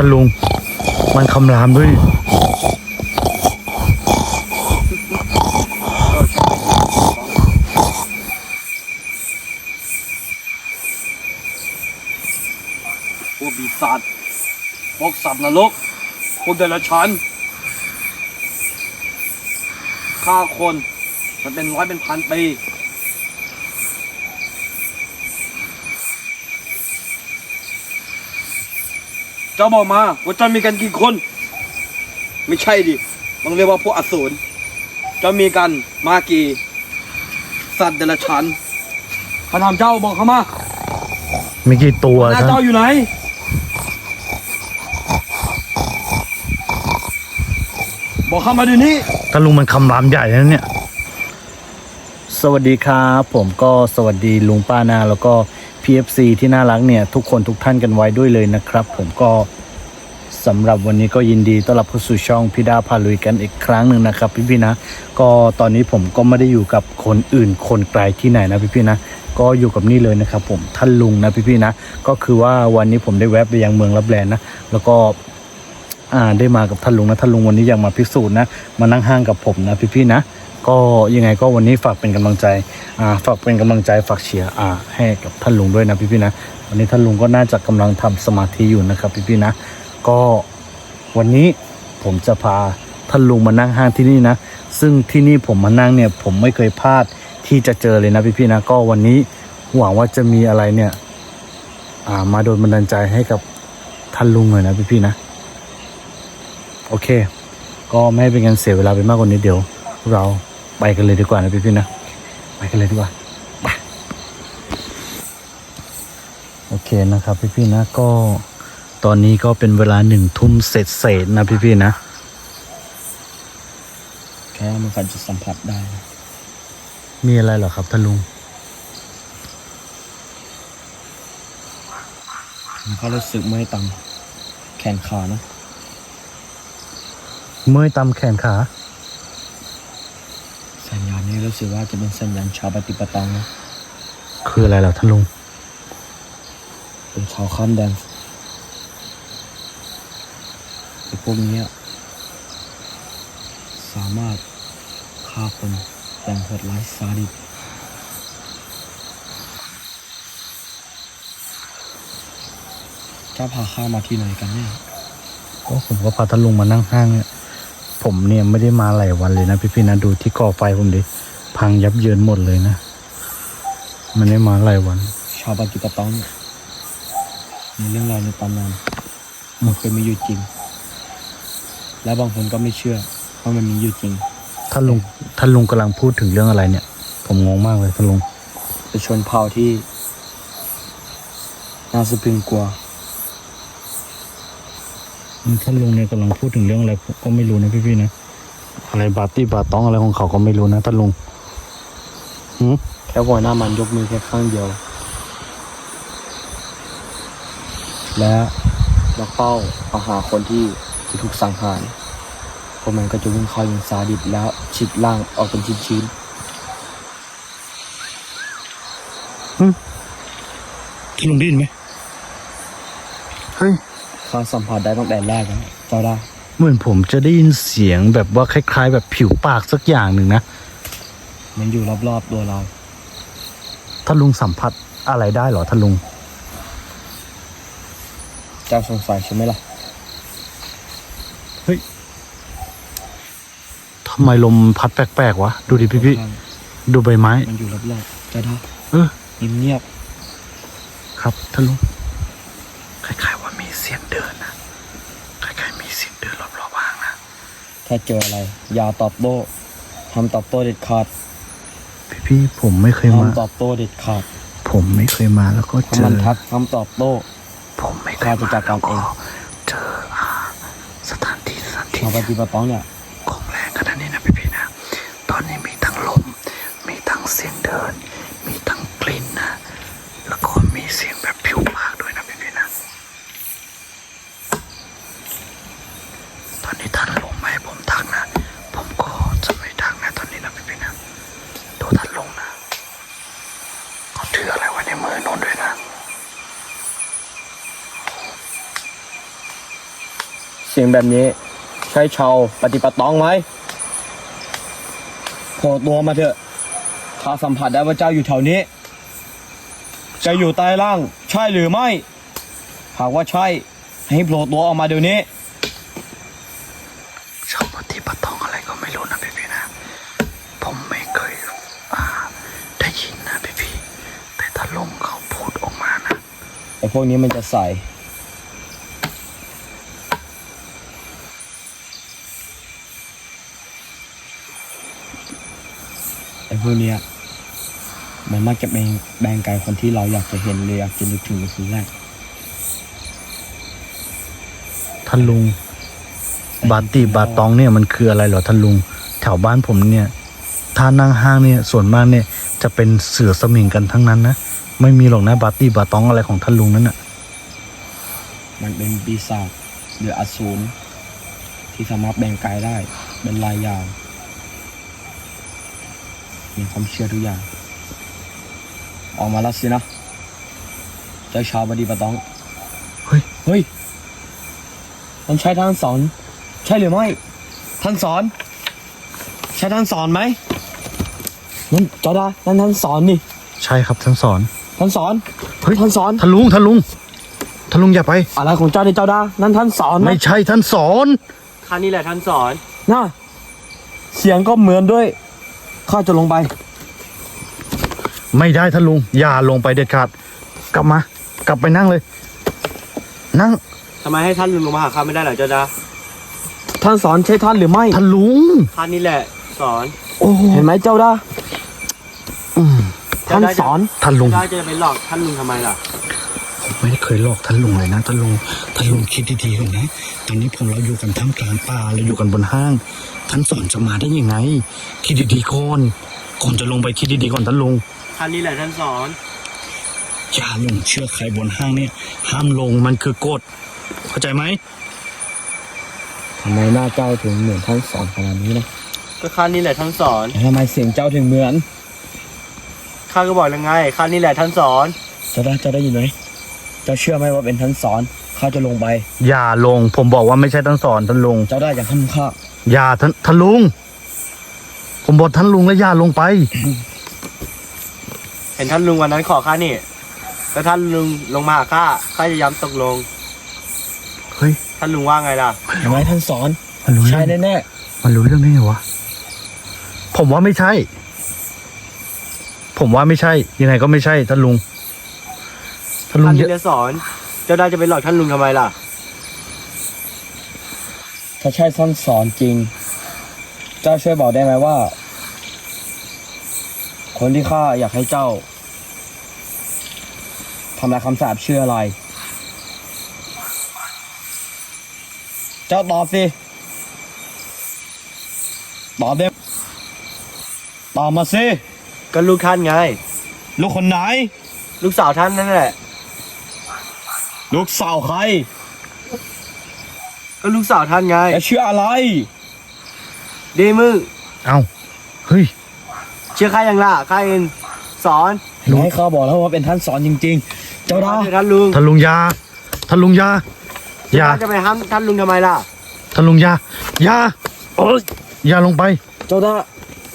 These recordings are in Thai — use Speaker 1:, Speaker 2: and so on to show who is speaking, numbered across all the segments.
Speaker 1: านลุงมันคำรามด้วย
Speaker 2: พวกปีศาจพวกสัตว์นรกพวกเดรัจฉานฆ่าคนมันเป็นร้อยเป็นพันปีเจ้าบอกมาว่าเจ้ามีกันกี่คนไม่ใช่ดิต้องเรียกว่าพวกอสูรเจ้ามีกันมากี่สัตว์เดรัจฉานข้าถามเจ้าบอกเขามา
Speaker 1: มีกี่ตัว
Speaker 2: หน้าเจ้าอยู่ไหนบอกเข้ามาเดี๋ยวนี้
Speaker 1: ท่านลุงมันคำรามใหญ่นะเนี่ยสวัสดีครับผมก็สวัสดีลุงป้านาแล้วก็ PFC ที่น่ารักเนี่ยทุกคนทุกท่านกันไว้ด้วยเลยนะครับผมก็สำหรับวันนี้ก็ยินดีต้อนรับเข้าสู่ช่องพี่ดาพาลุยกันอีกครั้งหนึ่งนะครับพี่ๆนะก็ตอนนี้ผมก็ไม่ได้อยู่กับคนอื่นคนไกลที่ไหนนะพี่ๆนะก็อยู่กับนี่เลยนะครับผมท่านลุงนะพี่ๆนะก็คือว่าวันนี้ผมได้แวะไปยังเมืองลับแลนะแล้วก็ได้มากับท่านลุงนะท่านลุงวันนี้อยากมาพิสูจน์นะมานั่งห้างกับผมนะพี่ๆนะก็ยังไงก็วันนี้ฝากเป็นกำลังใจฝากเป็นกำลังใจฝากเชียร์ให้กับท่านลุงด้วยนะพี่ๆนะวันนี้ท่านลุงก็น่าจะกำลังทำสมาธิอยู่นะครับพี่ๆนะก็วันนี้ผมจะพาท่านลุงมานั่งห้างที่นี่นะซึ่งที่นี่ผมมานั่งเนี่ยผมไม่เคยพลาดที่จะเจอเลยนะพี่ๆนะก็วันนี้หวังว่าจะมีอะไรเนี่ยมาโดนบันดาลใจให้กับท่านลุงหน่อยนะพี่ๆนะโอเคก็ไม่ให้เป็นการเสียเวลาไปมากกว่านี้เดี๋ยวเราไปกันเลยดีกว่านะพี่ๆนะไปกันเลยดีกว่าไปโอเคนะครับพี่ๆนะก็ตอนนี้ก็เป็นเวลา1 ทุ่มเศษนะพี่ๆนะ
Speaker 2: แค่มันจะสัมผัสได้
Speaker 1: มีอะไรเหรอครับท่านลุง
Speaker 2: มันก็รู้สึกเมื่อยตามแขนขานะ
Speaker 1: เมื่อยตามแขนขา
Speaker 2: สัญญาณนี้รู้สึกว่าจะเป็นสัญญาณชาวปฏิปตังนะ
Speaker 1: คืออะไรเหรอท่านลุง
Speaker 2: เป็นชาวข้ามแดนไอ้พวกนี้สามารถฆ่าคนอย่างโหดร้ายซาดิสเจ้าพาข้ามาที่ไหนกันเนี่ย
Speaker 1: ก็ผมก็พาท่านลุงมานั่งห้างเนี่ยผมเนี่ยไม่ได้มาหลายวันเลยนะพี่ๆนะดูที่ก่อไฟผมดิพังยับเยินหมดเลยนะมันได้มาหลายวัน
Speaker 2: ชาวปฏิปตังเนี่ยมีเรื่องราวในตำนานมันเคยมีอยู่จริงและบางคนก็ไม่เชื่อว่ามันมีอยู่จริง
Speaker 1: ท่านลุงกำลังพูดถึงเรื่องอะไรเนี่ยผมงงมากเลยท่านลุง
Speaker 2: เป็นชนเผ่าที่น่าสะพรึงกลัว
Speaker 1: ท่านลุงเนี่ยกำลังพูดถึงเรื่องอะไรก็ไม่รู้นะพี่ๆนะอะไรบาตี้บาต้องอะไรของเขาก็ไม่รู้นะท่านลุง
Speaker 2: แค่หัวหน้ามันยกมือแค่ข้างเดียวและล็อกเป้าเอาหาคนที่ถูกสังหารพวกมันก็จะวิ่งเข้าอย่างซาดิสแล้วฉีกล่างออกเป็นชิ้น
Speaker 1: ท่านลุงได้ยินไหมเฮ้ย
Speaker 2: ข้าสัมผัสได้ตั้งแต่แรกแล้วเจ้าได้
Speaker 1: เหมือนผมจะได้ยินเสียงแบบว่าคล้ายๆแบบผิวปากสักอย่างหนึ่งนะ
Speaker 2: มันอยู่รอบๆตัวเรา
Speaker 1: ท่านลุงสัมผัสอะไรได้เหรอท่านลุง
Speaker 2: เจ้าสงสัยใช่ไหมล่ะ
Speaker 1: เฮ้ยทำไมลมพัดแปลกๆวะดูดิพี่ดูใบไม้
Speaker 2: มันอยู่รอบๆเจ้าได้เงียบ
Speaker 1: ครับท่านลุงคล้ายๆว่ามีเสียงเดินนะคล้ายๆมีเสียงเดินรอบๆบ้างนะ
Speaker 2: ถ้าเจออะไรอย่าตอบโต้ทำตอบโต้เด็ดขาด
Speaker 1: พี่ผมไม่เคยมา
Speaker 2: ทำตอบโต้เด็ดขาด
Speaker 1: ผมไม่เคยมาแล้วก็เจอ
Speaker 2: มันทักทำตอบโต้
Speaker 1: ผมไม่เคย
Speaker 2: มาจากการเอง
Speaker 1: เจอสถานที่
Speaker 2: ชาวปฏิบัติต้องเนี่ย
Speaker 1: ของแรงขนาดนี้นะพี่นะตอนนี้มีทั้งลมมีทั้งเสียงเดินมีทั้งกลิ่นนะแล้วก็มีเสียงแบบผิวปากด้วยนะพี่นะตอนนี้ท่านลงมาให้ผมทักนะผมก็จะไม่ทักนะตอนนี้นะพี่นะดูท่านลงนะเขาถืออะไรไว้ในมือโน้นด้วยนะ
Speaker 2: เสียงแบบนี้ใช่ชาวปฏิปตองไหมโผล่ตัวมาเถอะข้าสัมผัสได้ว่าเจ้าอยู่แถวนี้จะอยู่ใต้ล่างใช่หรือไม่หากว่าใช่ให้โผล่ตัวออกมาเดี๋ยวนี้
Speaker 1: ชาวปฏิปตองอะไรก็ไม่รู้นะพี่ๆนะผมไม่เคยได้ยินนะพี่ๆแต่ถ้าลุงเขาพูดออกมานะ
Speaker 2: ไอ้พวกนี้มันจะใส่ไอ้พวกเนี้ยมันมักจะเป็นแบงกายคนที่เราอยากจะเห็นเลยอยากจะนึกถึงในคืนแรก
Speaker 1: ท่านลุงบาติบาตองเนี่ยมันคืออะไรเหรอท่านลุงแถวบ้านผมเนี่ยถ้านั่งห้างเนี่ยส่วนมากเนี่ยจะเป็นเสือสมิงกันทั้งนั้นนะไม่มีหรอกนะบาติบาตองอะไรของท่านลุงนั่นน่ะ
Speaker 2: มันเป็นปีศาจหรืออสูรที่สามารถแบ่งกายได้เป็นลายยาวมีความเชื่อทุกอย่างออกมาแล้วสินะเจ้าชาวบดีปะตอง
Speaker 1: เฮ้ย
Speaker 2: มันใช่ท่านสอนใช่หรือไม่ท่านสอนใช่ท่านสอนไหมนั่นจอดานั่นท่านสอนนี่
Speaker 1: ใช่ครับท่านสอน
Speaker 2: ท่านสอน
Speaker 1: เฮ้ย
Speaker 2: ท่านสอน
Speaker 1: ท่านลุงอย่าไป
Speaker 2: อะไรของเจ้าเนี่ยเจ้าดานั่นท่านสอนไหม
Speaker 1: ไม่ใช่ท่านสอน
Speaker 3: ข้านี่แหละท่านสอน
Speaker 2: น่ะเสียงก็เหมือนด้วยข้าจะลงไป
Speaker 1: ไม่ได้ท่านลุงอย่าลงไปเด็ดขาดกลับไปนั่งเลย นั่ง
Speaker 3: ทำไมให้ท่านลุงลงมาหาข้าไม่ได้เหรอเจ้าดา
Speaker 2: ท่านสอนใช่ท่านหรือไม่
Speaker 1: ท่านลุง
Speaker 3: ข้านี่แหละสอน
Speaker 1: โอ้โห
Speaker 2: เห็นไหมเจ้าดา
Speaker 1: อืม
Speaker 2: ท่านสอน
Speaker 1: ท่านลุง
Speaker 3: เจ้าจะไปหลอกท่านลุงทำไมล่ะ
Speaker 1: ผมไม่ได้เคยหลอกท่านลุงเลยนะท่านลุงคิดดีๆก่อนนะตอนนี้เราอยู่กันท่ามกลางป่าเราอยู่กันบนห้าง ท่านสอนจะมาได้ยังไงคิดดีๆก่อนจะลงไปคิดดีๆก่อนท่านลุง
Speaker 3: ท่านนี่แหละท่านสอน
Speaker 1: อย่าลงเชื่อใครบนห้างเนี่ยห้ามลงมันคือกฎเข้าใจไหม
Speaker 2: ทำไมหน้าเจ้าถึงเหมือนท่านสอนขนาดนี้นะ
Speaker 3: ก็ข้านี่แหละท่านสอน
Speaker 2: แล้วทำไมเสียงเจ้าถึงเหมือน
Speaker 3: ข้าก็บอกแล้วไงข้านี่แหละท่านสอน
Speaker 2: เจ้าได้ยินไหมเจ้าเชื่อไหมว่าเป็นท่านสอนข้าจะลงไป
Speaker 1: อย่าลงผมบอกว่าไม่ใช่ท่านสอนท่านลุง
Speaker 2: เจ้าได้อย่าทำข้า
Speaker 1: อย่าท่านลุงผมบอกท่านลุงแล้วอย่าลงไป
Speaker 3: เห็นท่านลุงวันนั้นขอข้านี่แล้วท่านลุงลงมาหาข้าจะย้ำตกลง
Speaker 1: เฮ้ย
Speaker 3: ท่านลุงว่าไงล่ะ
Speaker 2: เห็นไหมท่านสอน
Speaker 1: มันรู้
Speaker 2: ใช่
Speaker 1: เรื่อง
Speaker 2: แน่
Speaker 1: มันรู้เรื่องได้ไงวะผมว่าไม่ใช่ ผมว่าไม่ใช่ ยังไงก็ไม่ใช่ท่านลุงท่านลุ
Speaker 3: ท่าง น
Speaker 1: เย
Speaker 3: นี่
Speaker 1: อะ
Speaker 3: แหละสอน เจ้าได้จะไปหลอกท่านลุงทำไมล่ะ
Speaker 2: ๆถ้าใช่ท่านสอนจริง เจ้าช่วยบอกได้ไหมว่า คนที่ข้าอยากให้เจ้าทำลายคำสาปชื่ออะไร เจ้าตอบสิตอบเด็ตอบมาสิ
Speaker 3: ก็ลูกท่านไง
Speaker 2: ลูกคนไหน
Speaker 3: ลูกสาวท่านนั่นแหละ
Speaker 2: ลูกสาวใคร
Speaker 3: ก็ลูกสาวท่านไง
Speaker 2: และชื่ออะไร
Speaker 3: ดีมึง
Speaker 1: เอ้าเฮ้ย
Speaker 3: เชื่อข้ายังล่ะข้าเองสอน
Speaker 2: รู้ให้ข้าบอกแล้วว่าเป็นท่านสอนจริงๆ เจ้าดา
Speaker 3: เชื่อท่านลุง
Speaker 1: ท่านลุงอยาท่านลุงอยาอย่า
Speaker 3: ข้าจะไปห้ามท่านลุงทำไมล่ะ
Speaker 1: ท่านลุงอยาโอ้ยอย่าลงไป
Speaker 2: เจ้าดา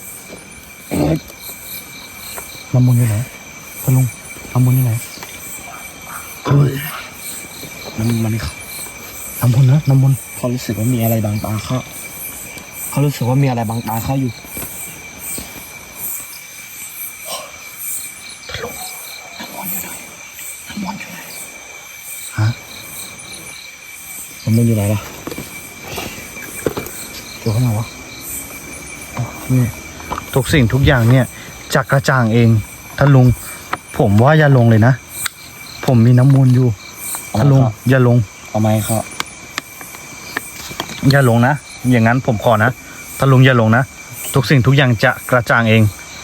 Speaker 1: น้ำมนต์อยู่ไหนท่านลุงน้ำมนต์อยู่ไหน
Speaker 2: มัน
Speaker 1: น้ำมนต์นะน้ำมนต์
Speaker 2: เขารู้สึกว่ามีอะไรบางตาเขารู้สึกว่ามีอะไรบางตาเขาอยู่
Speaker 1: ท่านลุงน้ำมนต์อยู่ไหนน้ำมนต์อยู่ไหนฮะ
Speaker 2: มันอยู่ไหนล่ะ
Speaker 1: เดี๋ยวเข้ามาวะอ๋อนี่ทุกสิ่งทุกอย่างเนี่ยจะกระจ่างเองท่านลุงผมว่าอย่าลงเลยนะผมมีน้ำมนต์อยู่ท่านลุงอย่าลง
Speaker 2: เอาไหมครับ
Speaker 1: อย่าลงนะอย่างนั้นผมขอนะท่านลุงอย่าลงนะทุกสิ่งทุกอย่างจะกระจ่างเอง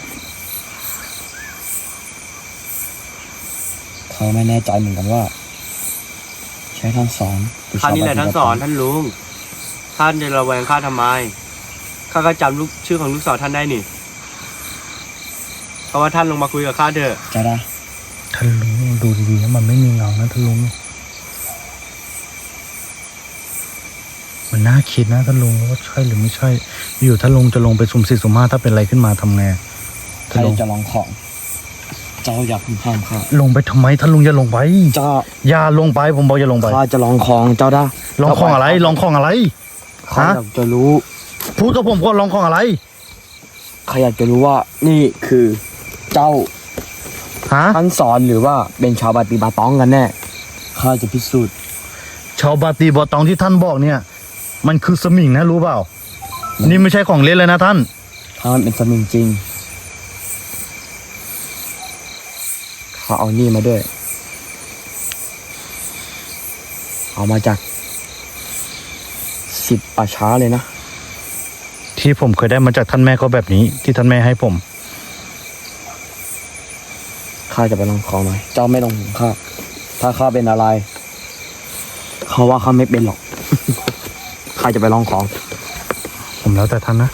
Speaker 2: เขาไม่แน่ใจเหมือนกันว่า ใช้ท่านสอนหรือ
Speaker 3: ข้านี่แหละท่านสอนท่านลุง ท่านจะระแวงข้าทำไม ข้าก็จำลูกชื่อของลูกสาวท่านได้นี่ เพราะว่าท่านลงมาคุยกับข้าเถอะ
Speaker 2: เจ้าดา
Speaker 1: ท่านลุงดูดีๆนะมันไม่มีเงานะท่านลุงมันน่าคิดนะท่านลุงว่าใช่หรือไม่ใช่ อยู่ท่านลุงจะลงไปสุ่มสี่สุ่มห้าถ้าเป็นอะไรขึ้นมาทำไง
Speaker 2: ใครจะลองของ เจ้าอยากห้ามข้า
Speaker 1: ลงไปทำไมท่านลุงอย่าลงไป
Speaker 2: เจ้า
Speaker 1: อย่าลงไปผมบอกอย่าลงไป
Speaker 2: ข้าจะลองของเจ้าได้
Speaker 1: ลองของอะไรลองของอะไร
Speaker 2: ข้าอยากจะรู้
Speaker 1: พูดกับผมก็ลองของอะไร
Speaker 2: ข้าอยากจะรู้ว่านี่คือเจ้า
Speaker 1: ฮะ
Speaker 2: ท่านสอนหรือว่าเป็นชาวบาติบาตองกันแน่ข้าจะพิสูจน์
Speaker 1: ชาวบาตีบอตองที่ท่านบอกเนี่ย มันคือสมิงนะรู้เปล่า นี่ไม่ใช่ของเล่นเลยนะท่าน
Speaker 2: ถ้ามันเป็นสมิงจริงข้าเอานี่มาด้วย เอามาจาก10 ป่าช้าเลยนะ
Speaker 1: ที่ผมเคยได้มาจากท่านแม่ก็แบบนี้ ที่ท่านแม่ให้ผม
Speaker 2: ข้าจะไปลองของหน่อย เจ้าไม่ต้องห่วงข้า ถ้าข้าเป็นอะไร เขาว่าข้าไม่เป็นหรอก ข้าจะไปลองของ
Speaker 1: ผมแล้วแต่ท่านนะ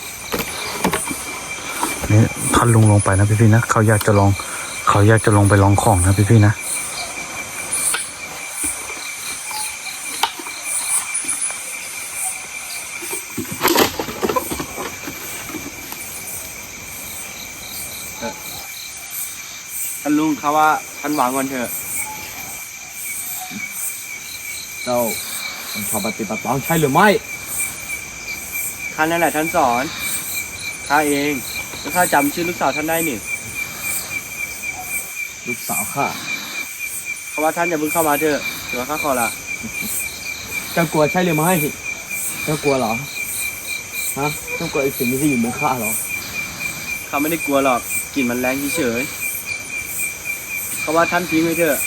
Speaker 1: นี่ท่านลุงลงไปนะพี่ๆนะเขาอยากจะลองไปลองของนะพี่ๆนะ
Speaker 3: ท่านลุงเขาว่าท่านวางก่อนเถอะ
Speaker 2: เจ้าเป็นชาวปฏิบัติต้องใช่หรือไม่
Speaker 3: ข้านั่นแหละท่านสอนข้าเองแล้วข้าจำชื่อลูกสาวท่านได้นี่
Speaker 2: ลูกสาวข้า
Speaker 3: เขาว่าท่านอย่าเพิ่งเข้ามาเถอะเดี๋ยวข้าขอละ
Speaker 2: เจ้ากลัวใช่หรือไม่ เจ้ากลัวเหรอ ฮะ เจ้ากลัวไอ้สิ่งที่อยู่บนข้าเหรอ
Speaker 3: ข้าไม่ได้กลัวหรอกกลิ่นมันแรงเฉยๆเขาว่าท่านทิ้งไว้เถอะ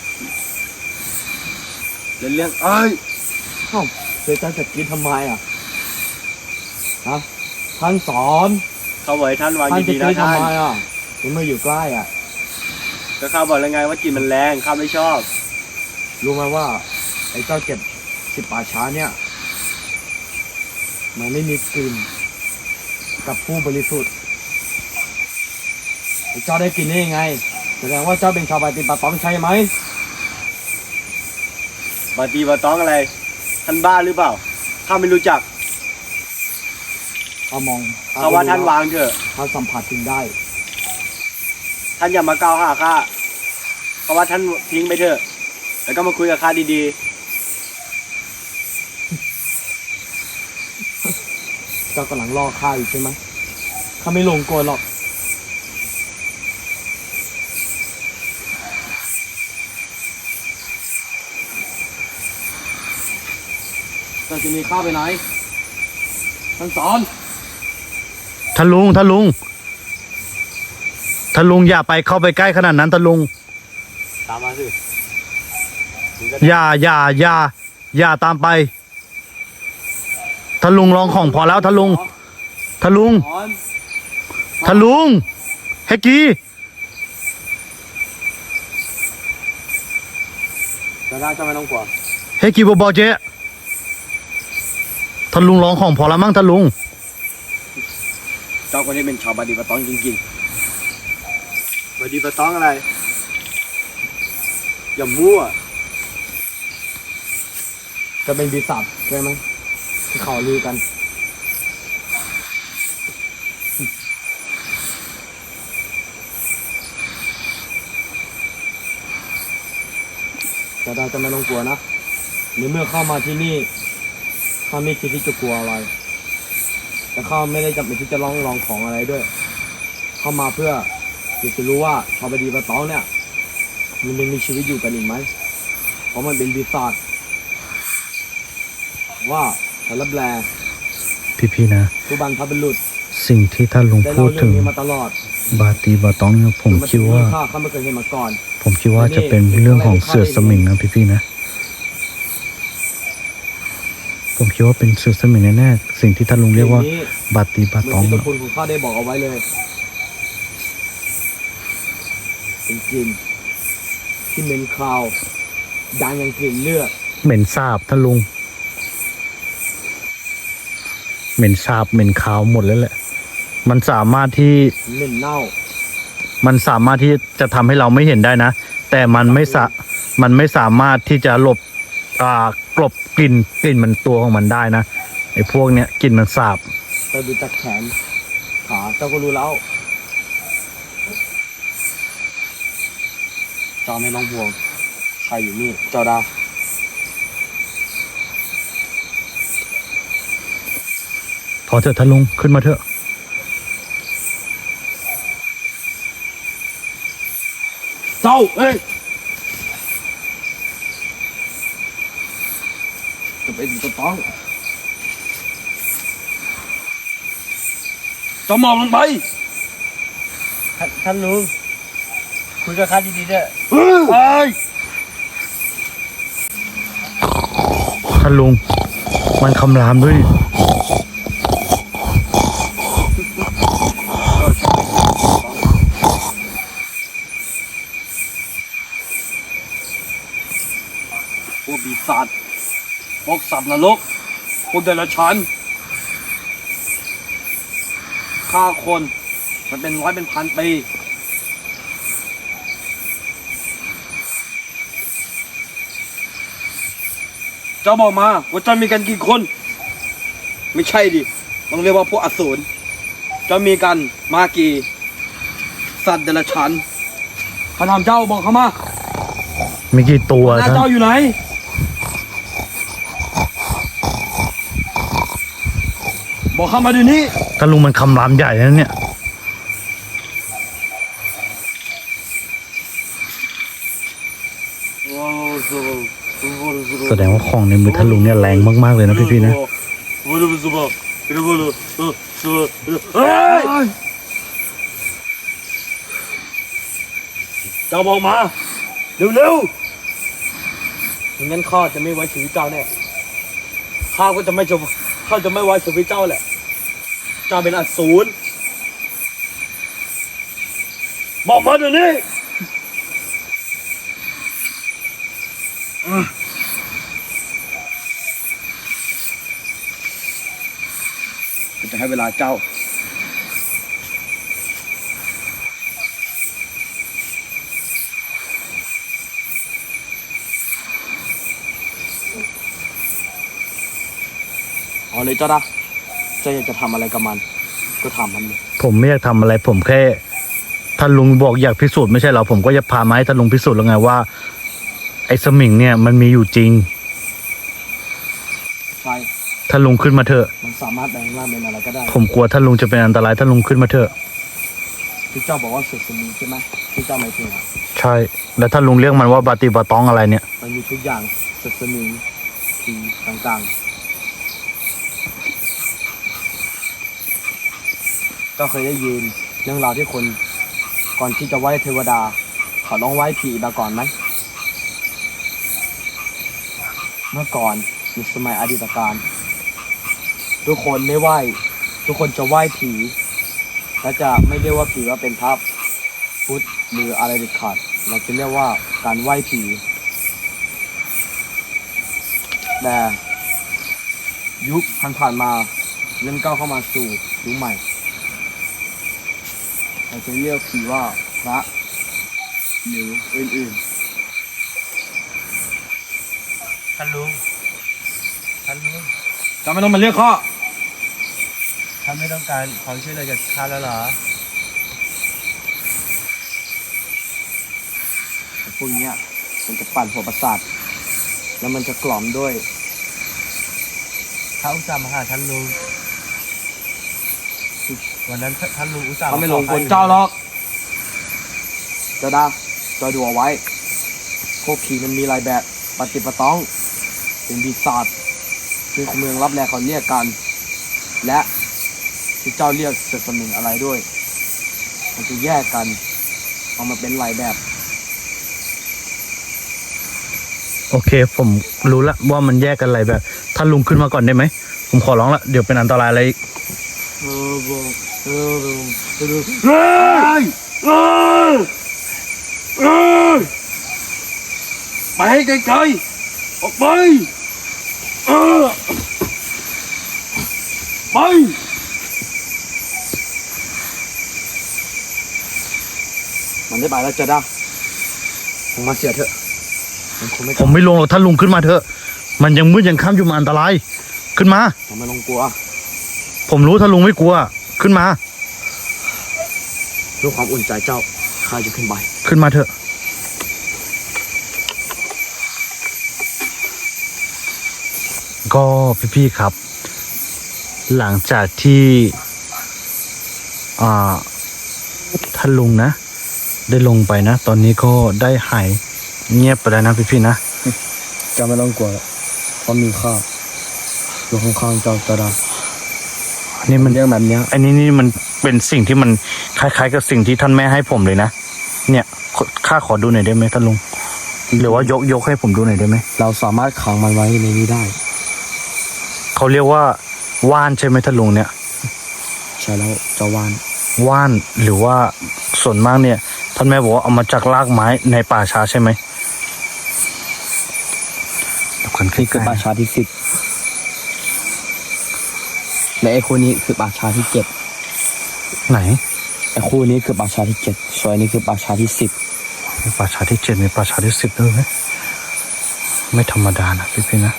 Speaker 3: เรื่องเอ้ย
Speaker 2: เอ้าเจ้าจะกินทำไมอ่ะ ฮะ ท่านสอน
Speaker 3: เขาบอกให้ท่านวาง
Speaker 2: ท่านจะ
Speaker 3: ดีๆ
Speaker 2: กิ
Speaker 3: นะ
Speaker 2: น
Speaker 3: ท่า
Speaker 2: ทำ
Speaker 3: น
Speaker 2: ไมอ่ะถึงไม่อยู่ใกล้อ่ะ
Speaker 3: ก็ข้าบอกแล้วไงว่ากลิ่นมันแรงข้าไม่ชอบ
Speaker 2: รู้ไหมว่า ไอ้เจ้าเก็บ10 ป่าช้าเนี่ย มันไม่มีกลิ่นกับผู้บริสุทธิ์ไอ้เจ้าได้กลิ่นได้ยังไง แสดงว่าเจ้าเป็นชาวปฏิบัติต้องใช่ไหม
Speaker 3: บาตีบาต้องอะไร ท่านบ้าหรือเปล่าข้าไม่รู้จัก
Speaker 2: เขามอง
Speaker 3: เขาว่าท่านวางเถอะ
Speaker 2: เขาสัมผัสถึงได้
Speaker 3: ท่านอย่ามากล่าวหาข้าเขาว่าท่านทิ้งไปเถอะแล้วก็มาคุยกับข้าดี
Speaker 2: เจ้ากำลังล่อข้าอยู่ใช่ไหมข้าไม่ลงโกรธหรอก เจ้าจะหนีข้าไปไหน ท่านสอน
Speaker 1: ท่านลุงอย่าไปเข้าไปใกล้ขนาดนั้นท่านลุง
Speaker 3: ๆตามมาสิ
Speaker 1: อย่าตามไปท่านลุงลองของพอแล้วท่านลุง
Speaker 3: สอน
Speaker 1: เฮกกี้
Speaker 2: จะได้เจ้าไม่ต้องกลัว
Speaker 1: เฮกกี้บอเจท่านลุงลองของพอแล้วมั้งท่านลุง
Speaker 2: เจ้าคนนี้เป็นชาวปฏิบัติต้องจริง
Speaker 3: บาตีบาต้องอะไร อย่ามั่ว
Speaker 2: ๆ จะเป็นปีศาจใช่ไหมที่เขาลือกัน จะได้จะไม่ต้องกลัวนะในเมื่อเข้ามาที่นี่ข้าไม่คิดที่จะกลัวอะไร แต่ข้าไม่ได้จำเป็นที่จะลองของอะไรด้วย เข้ามาเพื่ออยากจะรู้ว่าชาวบดีปะตองเนี่ย มันยังมีชีวิตอยู่กันอีกไหม เพราะมันเป็นปีศาจว่าสารแบล
Speaker 1: พี่ๆนะ
Speaker 2: ผู้บันพบุรุษ
Speaker 1: สิ่งที่ท่านลุง
Speaker 2: ได้
Speaker 1: พู
Speaker 2: เล่า
Speaker 1: ด
Speaker 2: เรื่
Speaker 1: ถึ
Speaker 2: อง
Speaker 1: ง
Speaker 2: นี้มาตลอด
Speaker 1: บาตีบาตองเนี่ยผมคิดว่า
Speaker 2: ข้าไม่เคยเห็นมาก่อน
Speaker 1: จะเป็นเรื่องของเสือสมิงนะพี่ๆนะ ผมคิดว่าเป็นเสือสมิงแน่ๆสิ่งที่ท่านลุงเรียกว่า
Speaker 2: สิ่งนี้
Speaker 1: บาตีบา
Speaker 2: เหมื
Speaker 1: ต
Speaker 2: อ
Speaker 1: อน ง
Speaker 2: ที่
Speaker 1: อะ
Speaker 2: ตัวคุณของข้าได้บอกเอาไว้เลย เป็นกลิ่นที่เหม็นคาวดังอย่างกลิ่นเลือด
Speaker 1: เหม็นสาบท่านลุง เหม็นสาบเหม็นขาวหมดแล้วแหละ มันสามารถที่
Speaker 2: เหม็นเน่า
Speaker 1: จะทำให้เราไม่เห็นได้นะ แต่มันไม่สามารถที่จะหลบกลบกลิ่นมันตัวของมันได้นะไอ้พวกเนี้ยกลิ่นมันสาบ
Speaker 2: แต่ดูจากแขนขาเจ้าก็รู้แล้วเจ้าไม่ต้องห่วงใครอยู่นี่เจ้าดา
Speaker 1: ถอดเถอะท่านลุงขึ้นมาเถอะ
Speaker 2: เจ้าเอ้ยจะเป็นจะต้องเจ้าหมอบลงไป
Speaker 3: ท่านลุงคุยกับข้าดีๆด้วย
Speaker 2: เฮ้ย
Speaker 1: ท่านลุงมันคำรามด้วย
Speaker 2: พวกปีศาจพวกสัตว์นรกพวกเดรัจฉานฆ่าคนมันเป็นร้อยเป็นพันปีเจ้าบอกมาว่าเจ้ามีกันกี่คน ไม่ใช่ดิต้องเรียกว่าพวกอสูรเจ้ามีกันมากี่สัตว์เดรัจฉานข้าถามเจ้าบอกเขามา
Speaker 1: มีกี่ตัว
Speaker 2: หน้า
Speaker 1: ท่าน
Speaker 2: เจ้าอยู่ไหนบอกเข้ามาเดี๋ยวนี้
Speaker 1: ท่านลุงมันคำรามใหญ่นะเนี่ยแสดงว่าของในมือท่านลุงเนี่ยแรงมากๆเลยนะพี่ๆนะ
Speaker 2: เจ้าบอกมาเร็วๆอย่างนั้นข้าจะไม่ไว้ชีวิตเจ้าแน่ข้าก็จะไม่ไว้ชีวิตเจ้าแหละเจ้าเป็นอสูรบอกมาเดี๋ยวนี้จะให้เวลาเจ้าเอาเลยเจ้าอยากจะทำอะไรกับมันก็ทำมันเลย
Speaker 1: ผมไม่อยากทำอะไรผมแค่ท่านลุงบอกอยากพิสูจน์ไม่ใช่เหรอผมก็จะพามาให้ท่านลุงพิสูจน์แล้วไงว่าไอ้สมิงเนี่ยมันมีอยู่จริง
Speaker 2: ใช่
Speaker 1: ท่านลุงขึ้นมาเถอะ
Speaker 2: มันสามารถแปลงร่างเป็นอะไรก็ได้
Speaker 1: ผมกลัวท่านลุงจะเป็นอันตรายท่านลุงขึ้นมาเถอะ
Speaker 2: ที่เจ้าบอกว่าเสร็จสมิงใช่ไหมที่เจ้าหมายถึงอะ
Speaker 1: ใช่แล้วท่านลุงเรียกมันว่าบาติบาตองอะไรเนี่ย
Speaker 2: มันมีทุกอย่างเสร็จสมิงผีต่างๆก็เคยได้ยินเรื่องราวที่คนก่อนที่จะไหว้เทวดาเขาต้องไหว้ผีมาก่อนไหมเมื่อก่อนในสมัยอดีตการทุกคนไม่ไหว้ทุกคนจะไหว้ผีและจะไม่เรียกว่าผีว่าเป็นพระพุทธหรืออะไรเด็ดขาดเราจะเรียกว่าการไหว้ผีแต่ยุคผ่านๆมาเริ่มก้าวเข้ามาสู่ยุคใหม่เราจะเรียกผีว่าพระหรืออื่น
Speaker 3: ท่านลุง
Speaker 2: ๆจะไม่ต้องมาเรียกข้อ
Speaker 3: ท่านไม่ต้องการความช่วยเหลือจากข้าแล้วเหรอ
Speaker 2: พวกเนี้ยมันจะปั่นหัวประสาทแล้วมันจะกล่อมด้วย
Speaker 3: ข้าอุตส่าห์มาหาท่านลุงวันนั้นท่านลุงอุตส่าห์
Speaker 2: เขาไม่
Speaker 3: ข
Speaker 2: หล
Speaker 3: อง
Speaker 2: กลเจ้าหรอกเจ้าดาเจ้าดูเอาไว้พวกผีมันมีหลายแบบปฏิปต้องเป็นปีศาจซึ่งเมืองรับแลเขาเรียกกัน และที่เจ้าเรียกเสสมิงอะไรด้วย มันจะแยกกันเอามาเป็นหลายแบบ
Speaker 1: โอเค ผมรู้ละว่ามันแยกกันอะไรแบบท่านลุงขึ้นมาก่อนได้ไหมผมขอร้องละเดี๋ยวเป็นอันตรายอะไรอีก
Speaker 2: ไปให้ไกลๆออกไปไปมันได้ไปแล้วเจ้าดาผมมาเสียเถอะมันคงไม่ก
Speaker 1: ผ
Speaker 2: ลับ
Speaker 1: มไม่ลงหรอกท่านลุงขึ้นมาเถอะมันยังมืดยังค่ำอยู่มันอันตรายขึ้นมา
Speaker 2: ทำไมต้องกลัว
Speaker 1: ผมรู้ถ้าลุงไม่กลัว ขึ้นมา
Speaker 2: เพื่อความอุ่นใจเจ้าข้าจะขึ้นไป
Speaker 1: ขึ้นมาเถอะ ก็พี่ๆครับ หลังจากที่ท่านลุงนะ ได้ลงไปนะ ตอนนี้ก็ได้หายเงียบไปแล้วนะพี่ๆนะ
Speaker 2: เจ้าไม่ต้องกลัวเพราะมีข้าอยู่ข้างๆเจ้าจะได้
Speaker 1: อันนี้มัน
Speaker 2: เรื่องแบบเนี้ย
Speaker 1: อันนี้นี่มันเป็นสิ่งที่มันคล้ายๆ กับสิ่งที่ท่านแม่ให้ผมเลยนะ เนี่ยข้าขอดูหน่อยได้ไหมท่านลุง หรือว่ายกให้ผมดูหน่อยได้ไหม
Speaker 2: เราสามารถขังมันไว้ในนี้ได้
Speaker 1: เขาเรียกว่าว่านใช่ไหมท่านลุงเนี่ย
Speaker 2: ใช่แล้วเจ้าว่าน
Speaker 1: ว่านหรือว่าส่วนมากเนี่ยท่านแม่บอกว่าเอามาจากรากไม้ในป่าช้าใช่ไหมดูกันใก
Speaker 2: นี่คือ
Speaker 1: ล้
Speaker 2: ป่าช้าที่10และไอ้คู่นี้คือป่าช้าที่7
Speaker 1: ๆไหน
Speaker 2: ไอ้คู่นี้คือป่าช้าที่7ส่วนอันนี้คือป่าช้าที่10
Speaker 1: มีป่าช้าที่7มีป่าช้าที่10ด้วยไหมไม่ธรรมดานะพี่ๆนะ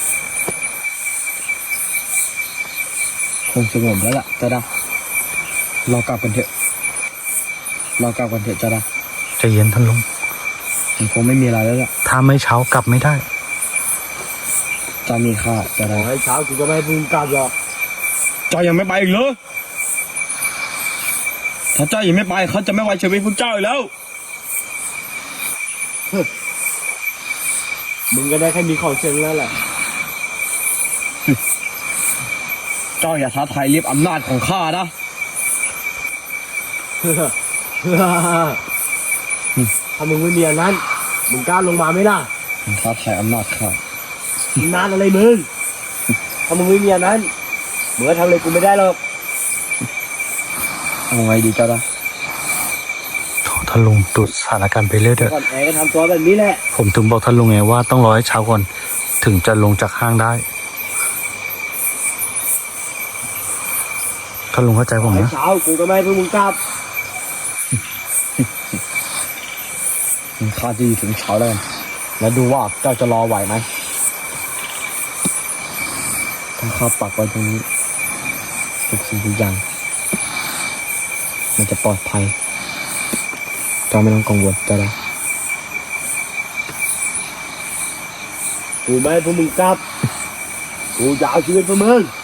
Speaker 2: คงสงบแล้วล่ะเจ้าดาเรากลับกันเถอะเจ้าดา
Speaker 1: ใจเย็นท่านลุง
Speaker 2: มันคงไม่มีอะไรแล้วล่ะ
Speaker 1: ถ้าไม่เช้ากลับไม่ได้
Speaker 2: เจ้ามีข้าเจ้าดา
Speaker 3: ให้เช้ากูก็ไม่ให้มึงกลับหรอก
Speaker 2: เจ้ายังไม่ไปอีกเหรอถ้าเจ้ายังไม่ไปเขาจะไม่ไว้ชีวิตพวกเจ้าอีกแล้ว
Speaker 3: มึงก็ได้แค่มีของเชิงแล้วแหละ
Speaker 2: เจ้าอย่าท้าทายลิบอำนาจของข้านะ
Speaker 3: ถ้ามึงไม่มีอันนั้น มึงกล้าลงมาไหมล่ะ
Speaker 2: ท้าทายอำนาจข้า
Speaker 3: นานอะไรมึง ถ้ามึงไม่มีอันนั้นมึงก็ทำอะไรกูไม่ได้หรอก
Speaker 2: เอาไงดีเจ้าดา
Speaker 1: ท่านลุงดูสถานการณ์ไปเรื่อยเถอะ
Speaker 3: ก่อนแอร์ก็ทำตัวแบบนี้แหละ
Speaker 1: ผมถึงบอกท่านลุงไงว่าต้องรอให้เช้าก่อน ถึงจะลงจากห้างได้ท่านลุงเข้าใจผม
Speaker 3: ให้
Speaker 1: นะ
Speaker 3: เช้ากูก็ไม่ให้พวกมึงกลับ
Speaker 2: ข้าจะอยู่ถึงเช้าแล้วกันแล้วดูว่าเจ้าจะรอไหวไหมถ้าข้าปักไว้ตรงนี้ทุกสิ่งทุกอย่างมันจะปลอดภัยเจ้าไม่ต้องกังวลเจ้าดา
Speaker 3: กูไม่ให้พวกมึงกลับ กูจะเอาชีวิตพวกมึง